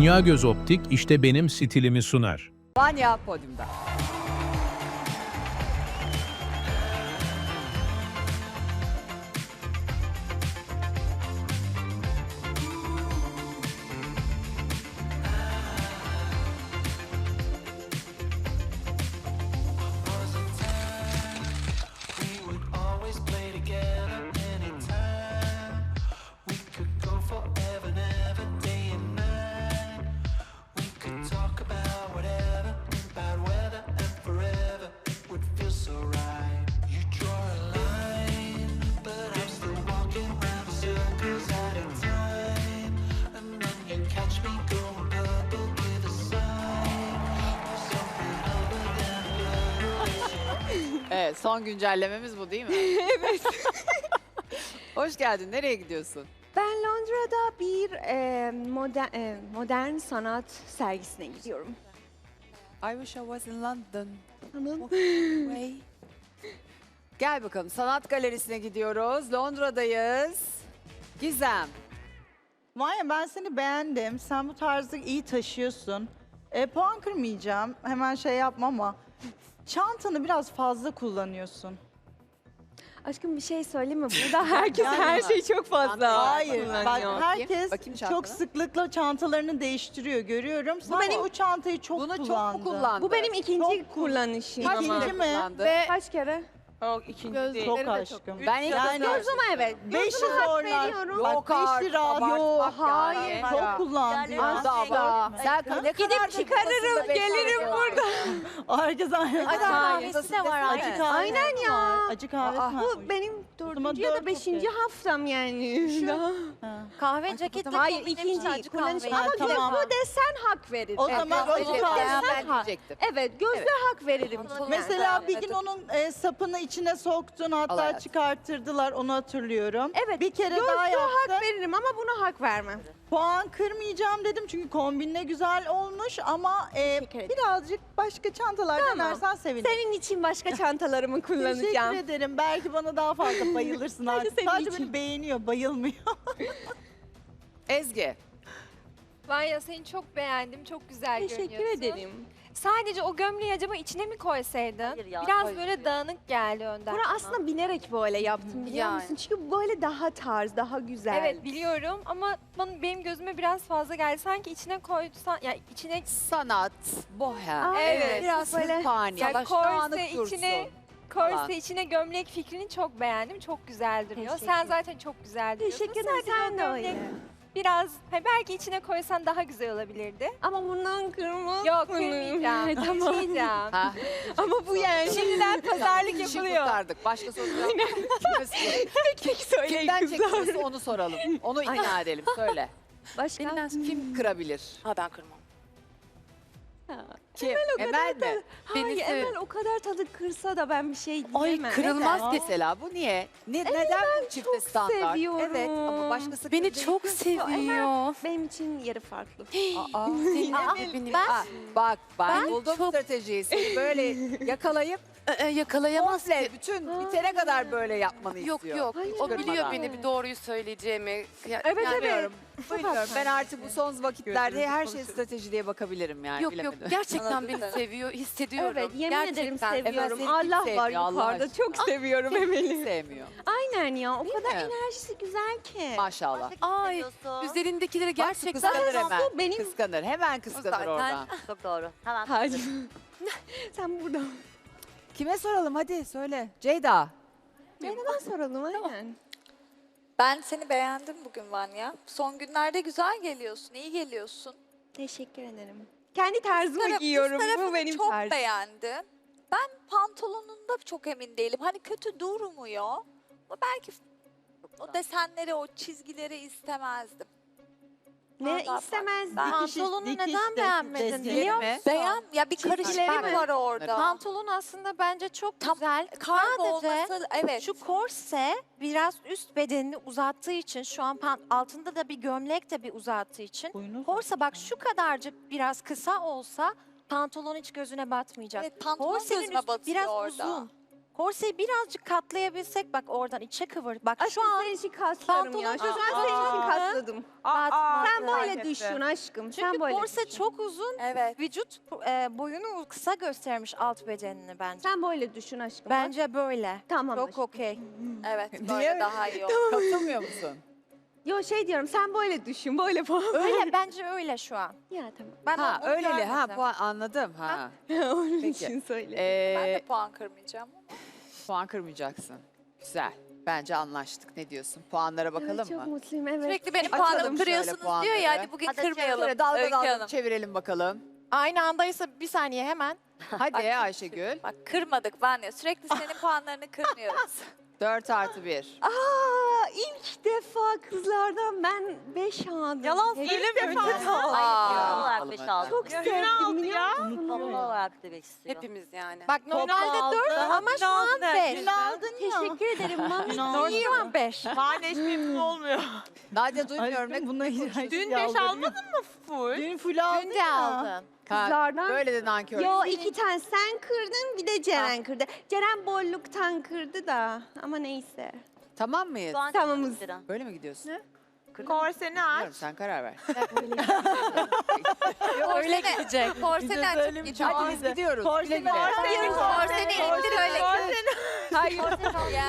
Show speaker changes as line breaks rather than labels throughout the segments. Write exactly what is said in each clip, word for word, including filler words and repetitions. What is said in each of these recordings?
Dünya Göz Optik işte benim stilimi sunar.
Vanya podyumda. Evet, son güncellememiz bu değil mi?
Evet.
Hoş geldin. Nereye gidiyorsun?
Ben Londra'da bir e, moder, e, modern sanat sergisine gidiyorum.
I wish I was in London.
Tamam.
Way. Gel bakalım. Sanat galerisine gidiyoruz. Londra'dayız. Gizem.
Maya ben seni beğendim. Sen bu tarzı iyi taşıyorsun. E, puan kırmayacağım. Hemen şey yapma ama çantanı biraz fazla kullanıyorsun.
Aşkım bir şey söyleyeyim mi? Burada herkes
Yani
her
bak.
şeyi çok fazla
Hayır. Bak
kullanıyor.
herkes
Bakayım çantana.
çok sıklıkla çantalarını değiştiriyor. Görüyorum. Sen
benim-
o çantayı çok
Bunu çok
kullandın.
mu kullandın?
Bu benim ikinci
Çok-
kullanışım
Kaç
ama.
İkinci
kere
mi?
kullandı?
Ve kaç kere?
Çok aşkım.
Ben ilk
Yani-
defa-
Gözüme evet.
Beşi
Gözüme hak
zorlar.
veriyorum.
Bak
Yok
beşi
artık,
rahat.
abartmak
Yok
yani.
hayır.
Ya.
Çok kullandı ya.
Asla. Sen ne kadar
çıkarırım, gelirim burada.
Herkes aynı.
Hadi
kahvesi
de var
Acı kahve
Aynen ya.
var. Acı kahve
Aa,
var.
Bu benim dördüncü ya
dört
da beşinci
okey.
haftam yani. Daha-
Ha.
Kahve ceketi
Hayır ikinci kullanışım.
Ha,
Ama bir de
tamam.
bu desen hak verir.
O zaman
Evet,
acı
evet,
kahve.
ben
Ha.
diyecektim.
Evet gözle
Evet.
hak veririm.
Mesela bir gün onun e, sapını içine soktun,
Al
hatta
hayatım.
çıkarttırdılar, onu hatırlıyorum.
Evet.
Bir kere
gözle
daha
hak
yaptın.
veririm ama buna hak vermem.
Puan kırmayacağım dedim çünkü kombinle güzel olmuş ama e,
Teşekkür ederim.
birazcık başka çantalar
Tamam.
denersen sevinirim.
Senin için başka çantalarımı
Teşekkür
kullanacağım.
ederim. Belki bana daha fazla bayılırsın artık.
senin
Sadece
için.
beni beğeniyor, bayılmıyor.
Ezgi.
Vanya seni çok beğendim. Çok güzel
Teşekkür
görünüyorsun.
ederim.
Sadece o gömleği acaba içine mi koysaydın? Biraz böyle dağınık geldi önden.
Bunu aslında bilerek böyle yaptım biliyor
Yani.
musun? Çünkü böyle daha tarz, daha güzel.
Evet biliyorum ama bana, benim gözüme biraz fazla geldi. Sanki içine koysan, yani içine
Sanat, bohem.
Aa,
evet,
Biraz
böyle-
hırpani.
Yani
Baş
korse
dağınık dursun.
içine-
Falan.
korse içine gömlek fikrini çok beğendim. Çok güzel duruyor.
Teşekkür
Sen zaten çok güzel duruyorsun.
Teşekkür ederim.
Sadece
Sen
o
de
gömlek
öyle.
Biraz, ha, belki içine koysan daha güzel olabilirdi.
Ama bundan kırmızı.
Yok kırmayacağım.
Tamam.
Kırmayacağım.
Ha,
Ama bu yani.
Şimdiden pazarlık
işi
yapılıyor.
kurtardık. Başka soru yok. Kime soralım?
Tek söyleyin
Kimden
kızlar.
çekiyorsa onu soralım. Onu ikna edelim. Söyle.
Başka?
Kim kırabilir?
Ha ben kırmam.
Kim? Emel mi?
Hayır
Beni
Emel
sev-
o kadar tadı kırsa da ben bir şey
Ay
diyemem.
kırılmaz
Neden?
mesela. Bu niye? Ne, neden bu çifte
çok
standart?
seviyorum.
Evet ama başkası
Beni
kırdığı
çok
için-
seviyor.
Benim için yeri farklı.
Aa,
Benim
Aa, bak ben,
Ben
buldum
çok-
stratejiyi. Seni böyle yakalayıp
Ee, yakalayamaz
komple
ki.
bütün bitene kadar böyle yapmanı
Yok
istiyor.
yok.
Hayır.
O biliyor
Kırmadan.
beni bir doğruyu söyleyeceğimi. Ya-
Evet,
yani-
Bilmiyorum.
Çok
Bilmiyorum.
haklısın.
Ben artık bu son vakitlerde
Gözlerimizi
her şey
konuşuyoruz.
strateji diye bakabilirim yani.
Yok
bilemedim.
yok gerçekten beni seviyor, hissediyorum.
Evet yemin
gerçekten.
ederim
Emel
seviyorum.
seni kim
Allah
sevmiyor
var
Allah
yukarıda.
aşkına?
Çok seviyorum
Kim
Emel'i.
sevmiyor.
Aynen ya. O
Değil
kadar
mi?
enerjisi güzel ki.
Maşallah.
Ay üzerindekileri
Bak,
gerçekten
kıskanır hemen.
Bu benim-
Kıskanır. Hemen kıskanır
Zaten-
oradan.
Çok doğru. Hemen
Hayır. Sen burada.
Kime soralım hadi söyle. Ceyda.
Neden soralım aynen.
Ben seni beğendim bugün Vanya. Son günlerde güzel geliyorsun, iyi geliyorsun.
Teşekkür ederim. Kendi tarzımı
Taraf-
giyiyorum.
üst
Bu
tarafını
benim
çok
tarzım.
beğendim. Ben pantolonunda çok emin değilim. Hani kötü durmuyor. Ama belki o desenleri, o çizgileri istemezdim.
Ne
Vallahi
istemezdim.
ben-
Pantolonu
dikiş
neden
de-
beğenmedin
deseni.
biliyor
mi?
musun?
Beğen, ya bir
Çizgileri
karışıklık
mi?
var orada.
Pantolon aslında bence çok
Tam
güzel.
Kargo
Sadece
olması, evet.
şu korse biraz üst bedenini uzattığı için şu an pan- altında da bir gömlek de bir uzattığı için.
Boynu
Korse bak şu kadarcık biraz kısa olsa pantolon hiç gözüne batmayacak.
Evet, pantolon
Korsenin
gözüme
üstü
batıyor
biraz
orada.
uzun. Korseyi birazcık katlayabilsek bak oradan içe kıvır. Bak
Aşkım
şu an
senin için kaslarım ya. Şu
pantolon-
an senin için
Aa.
kasladım aşkım.
Batmadı.
Sen böyle düşün aşkım. Sen
Çünkü
böyle
korse
düşün.
çok uzun.
Evet.
Vücut e, boyunu kısa göstermiş alt bedenini bence.
Sen böyle düşün aşkım.
Bence böyle.
Tamam
Çok
aşkım.
okey.
Evet,
Niye?
böyle daha iyi oldu.
Katılmıyor musun?
Yo şey diyorum sen böyle düşün. Böyle falan.
Öyle bence öyle şu an.
Ya tamam.
Ben
Ha
onu
öyleli ha
görmedim.
puan anladım ha.
Onun
Peki.
için söyle.
Ben de
Ee,
puan kırmayacağım.
puan kırmayacaksın. Güzel. Bence anlaştık. Ne diyorsun? Puanlara bakalım
Evet, çok
mı?
mutluyum evet.
Sürekli benim
Açalım
puanımı
şöyle
kırıyorsunuz diyor
puanları.
ya, hadi bugün
Hadi
kırmayalım.
Şöyle dalga
Öykü
dalga
Hanım.
çevirelim bakalım.
Aynı andaysa bir saniye hemen.
Hadi Ayşegül.
Bak kırmadık Vanya, sürekli senin puanlarını kırmıyoruz.
dört artı bir.
Aa ilk defa kızlardan ben beş aldım.
Yalan
Hep-
söyleme.
Aa,
olarak beş aldım.
Çok sevdim biliyor musun?
Toplu olarak demek istiyor.
Hepimiz yani.
Bak normalde dört ama şu an beş.
Dün aldın ya.
Teşekkür ederim. Mami.
Şu an beş.
Nadia duymuyorum. Ne
Bununla
Dün
beş almadın mı full? Dün full aldın
Dün de
ya.
aldın.
Kızlardan.
Böyle de nankör.
Yo iki tane sen kırdın bir de Ceren kırdı. Ceren bolluktan kırdı da ama neyse.
Tamam mıyız?
Şu an
Tamamız.
lira.
Böyle mi gidiyorsun?
Korseni aç.
Bilmiyorum, sen karar ver.
Öyle gidecek.
Korseni açıp gidiyor.
Hadi biz gidiyoruz. Güle
Korseni
güle.
Korseni, korseni indir öyle.
Hayır.
Ya.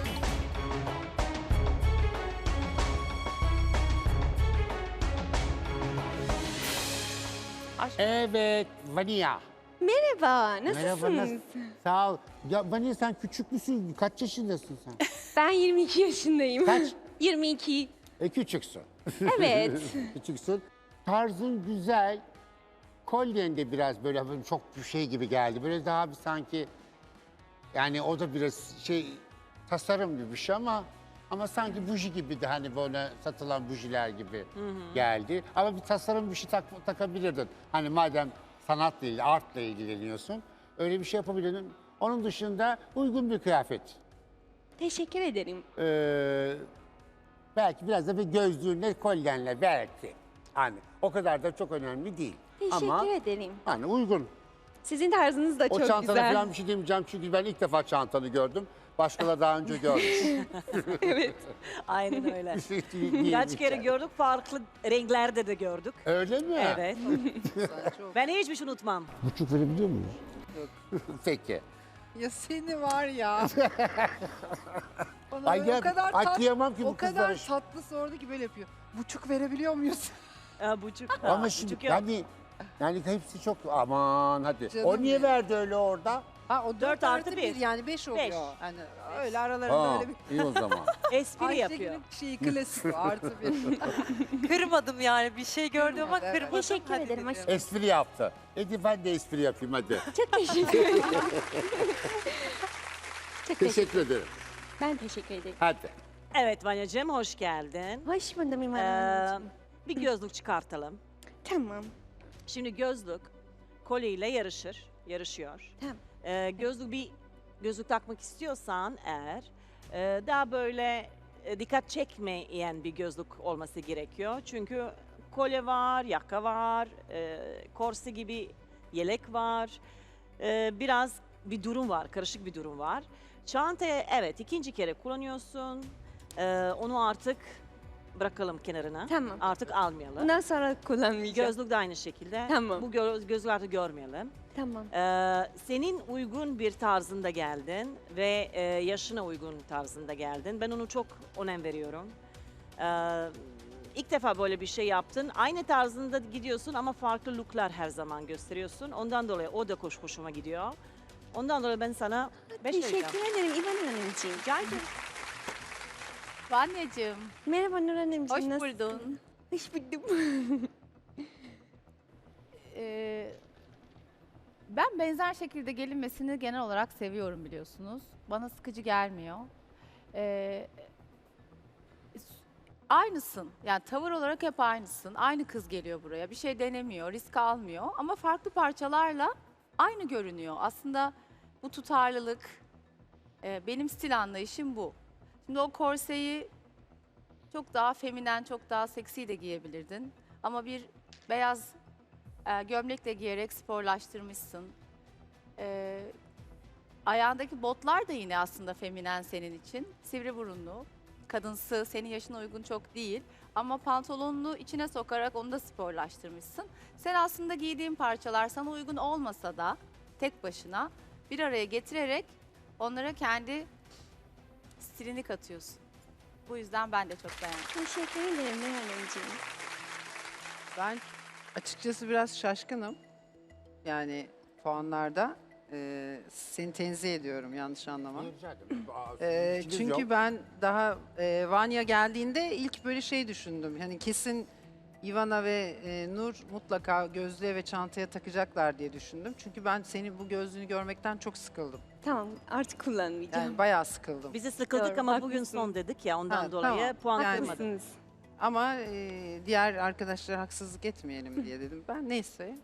Evet, Vania.
Merhaba,
Merhaba,
nasılsınız?
nasıl? Sağ ol. Ya Vania sen küçük müsün? Kaç yaşındasın sen?
Ben yirmi iki yaşındayım.
Kaç?
yirmi iki.
E küçüksün.
Evet.
Küçüksün. Tarzın güzel. Kolyen de biraz böyle böyle çok bir şey gibi geldi. Böyle daha bir sanki yani o da biraz şey tasarım gibi bir şey ama ama sanki buji gibi de hani böyle satılan bujiler gibi geldi. Ama bir tasarım bir şey tak, takabilirdin. Hani madem sanatla ilgili, artla ilgileniyorsun. Öyle bir şey yapabilirdin. Onun dışında uygun bir kıyafet.
Teşekkür ederim.
Ee, belki biraz da bir gözlüğünle, kolyenle belki. Hani o kadar da çok önemli değil.
Teşekkür
Ama
ederim.
hani uygun.
Sizin tarzınız da
O
çok
çantana
güzel.
falan bir şey demeyeceğim çünkü ben ilk defa çantanı gördüm. Başkaları daha önce görmüş.
Aynen öyle.
Bir şey değil-
Kaç
değilmiş
kere
yani.
gördük, farklı renklerde de gördük.
Öyle mi?
Evet. Ben hiçbir şey unutmam.
Buçuk verebiliyor muyuz? Peki.
Ya seni var ya. Bana
Ay
böyle
ya,
o kadar tat,
atlayamam ki bu
o kadar
kızlara.
tatlı sordu ki böyle yapıyor. Buçuk verebiliyor muyuz?
Ha, buçuk.
Ama
Ha,
şimdi
buçuk yok.
yani, yani hepsi çok aman hadi.
Canım
o niye
benim.
verdi öyle orada?
Ha o
Dört
dört
artı
artı
bir.
bir yani beş oluyor.
Beş.
Yani öyle aralarında
Ha,
öyle bir
iyi o zaman.
Espri yapıyor.
Ayşegül'ün şeyi klasik o artı bir.
Kırmadım yani, bir şey gördüm ama
Evet.
kırmadım.
Teşekkür
Hadi
ederim
dedim.
aşkım.
Espri yaptı. Hadi ben de espri yapayım hadi.
Çok teşekkür ederim. Çok teşekkür
Teşekkür ederim.
Ben teşekkür ederim.
Hadi.
Evet Vanya'cığım, hoş geldin.
Hoş buldum İmar
Ee,
Hanımcığım.
bir gözlük çıkartalım.
Tamam.
Şimdi gözlük kolyeyle yarışır, yarışıyor.
Tamam.
Ee, gözlük bir gözlük takmak istiyorsan eğer e, daha böyle e, dikkat çekmeyen bir gözlük olması gerekiyor. Çünkü kolye var, yaka var, e, korse gibi yelek var. E, biraz bir durum var, karışık bir durum var. Çantayı evet ikinci kere kullanıyorsun. E, onu artık bırakalım kenarına.
Tamam.
Artık almayalım.
Bundan sonra kullanmayacağım.
Gözlük de aynı şekilde.
Tamam.
Bu gö gözlüğü artık görmeyelim.
Tamam.
Ee, senin uygun bir tarzında geldin ve e, yaşına uygun tarzında geldin. Ben onu çok önem veriyorum. Ee, ilk defa böyle bir şey yaptın. Aynı tarzında gidiyorsun ama farklı looklar her zaman gösteriyorsun. Ondan dolayı o da hoş hoşuma gidiyor. Ondan dolayı ben sana beş vereceğim.
Teşekkür ederim İvan Hanımcığım.
Rica ederim.
Vanya'cığım.
Merhaba Nur Hanımcığım.
Hoş
nasılsın?
buldun.
Hoş buldum.
Ee, ben benzer şekilde gelinmesini genel olarak seviyorum biliyorsunuz. Bana sıkıcı gelmiyor. Ee, s- aynısın. Yani tavır olarak hep aynısın. Aynı kız geliyor buraya. Bir şey denemiyor, risk almıyor. Ama farklı parçalarla aynı görünüyor. Aslında bu tutarlılık, e, benim stil anlayışım bu. Şimdi o korseyi çok daha feminen, çok daha seksi de giyebilirdin. Ama bir beyaz e, gömlekle giyerek sporlaştırmışsın. E, ayağındaki botlar da yine aslında feminen senin için. Sivri burunlu. kadınsı, senin yaşına uygun çok değil. Ama pantolonunu içine sokarak onu da sporlaştırmışsın. Sen aslında giydiğin parçalar sana uygun olmasa da tek başına bir araya getirerek onlara kendi stilini katıyorsun. Bu yüzden ben de çok beğendim.
Teşekkür ederim Nihal Hanımcığım.
Ben açıkçası biraz şaşkınım. Yani puanlarda. Ee, seni tenzih ediyorum, yanlış anlama.
Rica ederim. Aa,
Ee,
işiniz
çünkü
yok.
ben daha e, Vanya geldiğinde ilk böyle şey düşündüm. Hani kesin Ivana ve e, Nur mutlaka gözlüğe ve çantaya takacaklar diye düşündüm. Çünkü ben seni bu gözlüğünü görmekten çok sıkıldım.
Tamam, artık kullanmayacağım.
Yani bayağı sıkıldım.
Bizi sıkıldık
Doğru,
ama bugün
haklısın.
son dedik ya ondan
Ha,
dolayı
tamam.
puan
Yani-
kırmadık.
Haklısınız.
Ama e, diğer arkadaşlara haksızlık etmeyelim diye dedim. Ben neyse.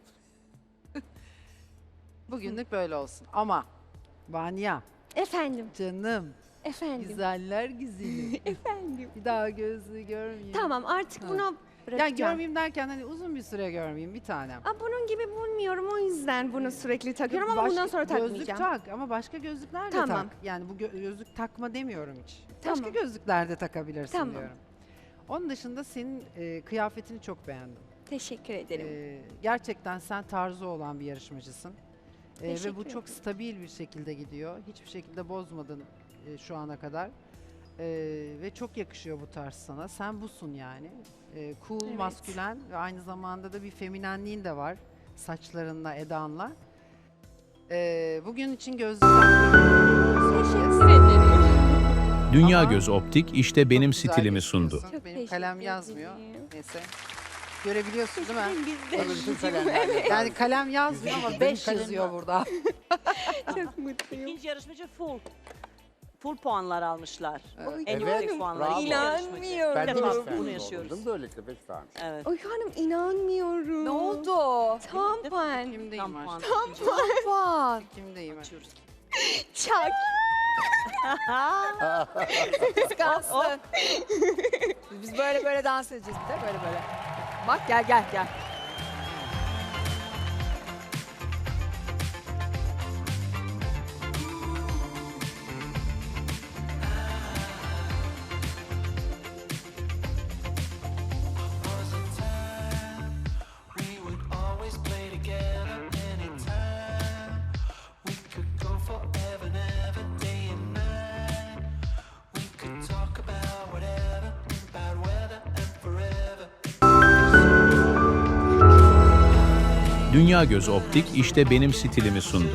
Bugünlük böyle olsun. Ama Vanya,
Efendim,
canım,
efendim,
güzeller güzeli.
efendim.
Bir daha gözlüğü görmeyeyim.
Tamam, artık
Ha.
bunu
Ya
bırakacağım.
görmeyeyim derken hani uzun bir süre görmeyeyim bir tanem.
Aa, bunun gibi bulmuyorum, o yüzden bunu sürekli takıyorum ama
Başka-
bundan sonra
Gözlük
takmayacağım.
tak ama başka gözlükler de
Tamam.
tak. Yani bu gö- gözlük takma demiyorum hiç.
Tamam.
Başka gözlükler de takabilirsin
Tamam.
diyorum. Onun dışında senin e, kıyafetini çok beğendim.
Teşekkür ederim.
E, gerçekten sen tarzı olan bir yarışmacısın. E, ve
Teşekkür
bu çok
ederim.
stabil bir şekilde gidiyor. Hiçbir şekilde bozmadın e, şu ana kadar. E, ve çok yakışıyor bu tarz sana. Sen busun yani. E, cool,
Evet.
maskülen ve aynı zamanda da bir feminenliğin de var. Saçlarınla, edanla. E, bugün için gözlükler...
Teşekkür ederim.
Dünya
Ama
Göz Optik işte benim
Çok güzel
stilimi sundu.
gözüküyorsun.
Çok
Benim kalem
teşekkür
yazmıyor.
ederim.
Neyse. Görebiliyorsun değil mi?
Biz de
Tabii bütün kalemlerle.
Yani kalem yazmıyor ama
Benim
beş
kalem
yazıyor
var.
burada.
çok mutluyum.
İkinci yarışmacı full. Full puanlar almışlar.
Oy
En
Evet,
yüksek puanlar.
bravo.
ikinci yarışmacı.
İnanmıyorum.
Ben de
İlk defa
beş
bunu
vermiş
yaşıyoruz.
oldum. Böylelikle beş vermiş.
Evet.
Oy hanım inanmıyorum.
Ne oldu?
Tam puan.
Kimdeyim
Tam
var?
puan.
Puan.
Kimdeyim?
Açıyoruz.
Çak.
Kıskansın. Biz böyle böyle dans edeceğiz bir de böyle böyle. Bak gel gel gel.
Dünya Göz Optik işte benim stilimi sundu.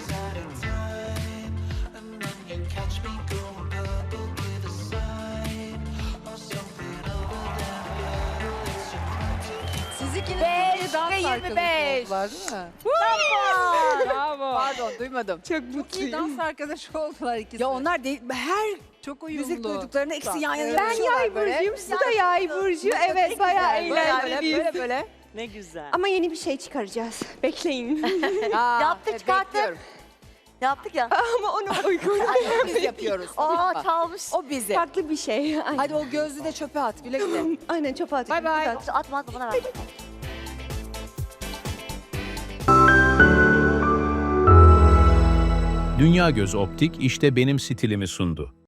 Siz ikiniz
Beş
dans
ve yirmi
arkadaşı
beş.
oldular değil mi?
Bravo.
Pardon duymadım.
Çok
Çok iyi
mutluyum.
dans arkadaşı oldular ikisi.
Ya onlar değil, her
çok uyumlu.
müzik duyduklarında ikisi yan yana
Ben
yapışıyorlar
yay
böyle.
burcuyum, siz de yay burcu. Evet, bayağı
Böyle böyle
eğlenceliyiz.
böyle böyle.
Ne güzel.
Ama yeni bir şey çıkaracağız. Bekleyin.
Aa,
Yaptık,
evet,
çıkarttık.
bekliyorum.
Yaptık ya.
Ama onu uygun.
Biz yapıyoruz.
Aa çalmış.
O bizi.
Farklı bir şey. Aynen.
Hadi o gözlüğü de çöpe at. Güle güle.
Aynen çöpe atıyorum.
Bay bay.
At.
Atma atma bana ver.
Dünya Göz Optik işte benim stilimi sundu.